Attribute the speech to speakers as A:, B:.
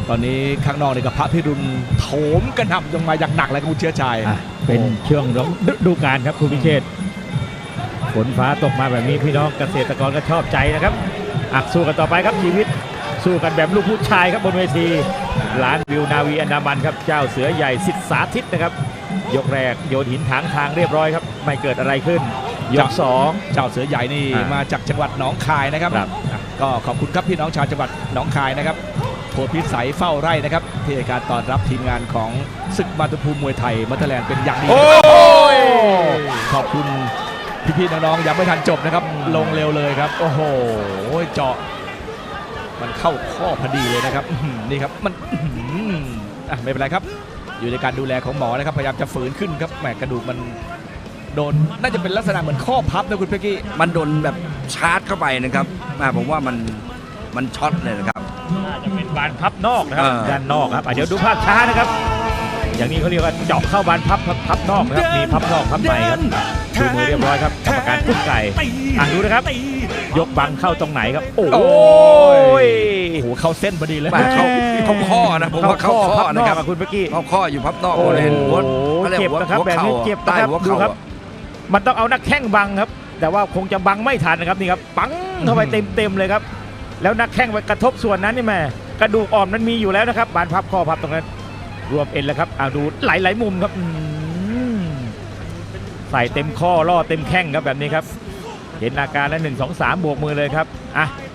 A: ตอนนี้ข้างนอกนี่กับพระพิรุณโถมกระหน่ำลงมาอย่างหนักเลยครับคุณเชื้อชัย
B: เป็นช่วงฤดูกาลครับคุณพิเชษฝนฟ้าตกมาแบบนี้พี่น้องเกษตรกรก็ชอบใจนะครับสู้กันต่อไปครับชีวิตสู้กันแบบลูกผู้ชายครับบนเวทีร้านวิวนาวีอันดามันครับเจ้าเสือใหญ่สิทธิสาธิตนะครับยกแรกโยนหินถางทางเรียบร้อยครับไม่เกิดอะไรขึ้นยก2
A: เจ้าเสือใหญ่นี่มาจากจังหวัดหนองคายนะครับก็ขอบคุณครับพี่น้องชาวจังหวัดหนองคายนะครับโพธิสัยเฝ้าไร่นะครับที่ให้การต้อนรับทีมงานของศึกมาตุภูมิมวยไทยมัตเตอร์แลนด์เป็นอย่างดีขอบคุณพี่ๆน้องๆยังไม่ทันจบนะครับลงเร็วเลยครับโอ้โหเจาะมันเข้าข้อพอดีเลยนะครับนี่ครับมันไม่เป็นไรครับอยู่ในการดูแลของหมอนะครับพยายามจะฝืนขึ้นครับแหมกระดูกมันโดนน่าจะเป็นลักษณะเหมือนข้อพับนะคุณเป๊กกี้
C: มันโดนแบบชาร์จเข้าไปนะครับผมว่ามันช็อตเลยนะครับ
B: น่าจะเป็นบานพับนอกนะครับด้านนอกครับเดี๋ยวดูภาพช้านะครับอย่างนี้เขาเรียกว่าเจาะเข้าบานพับนอกนะครับมีพับนอกพับในครับดูมือเรียบร้อยครับกรรมการกุ๊กไก่ดูนะครับยกบังเข้าตรงไหนครับโอ้ย
A: เข้าเส้นพอดีเลย
C: เขาข้อนะผมว่าเขาข้อนะครับ
B: คุณเมื่อกี้
C: เขาข้ออยู่พับนอกเลย
B: เจ็บนะครับแบบนี้เจ็บนะครับดูครับมันต้องเอานักแข้งบังครับแต่ว่าคงจะบังไม่ทันนะครับนี่ครับปังเข้าไปเต็มเลยครับแล้วนักแข้งไปกระทบส่วนนั้นนี่แม่กระดูกอ่อนมันมีอยู่แล้วนะครับบานพับข้อพับตรงนั้นรวมเอ็นแล้วครับดูหลายมุมครับใส่เต็มข้อล่อเต็มแข้งครับแบบนี้ครับเห็นอาการแล้ว1 2 3บวกมือเลยครับ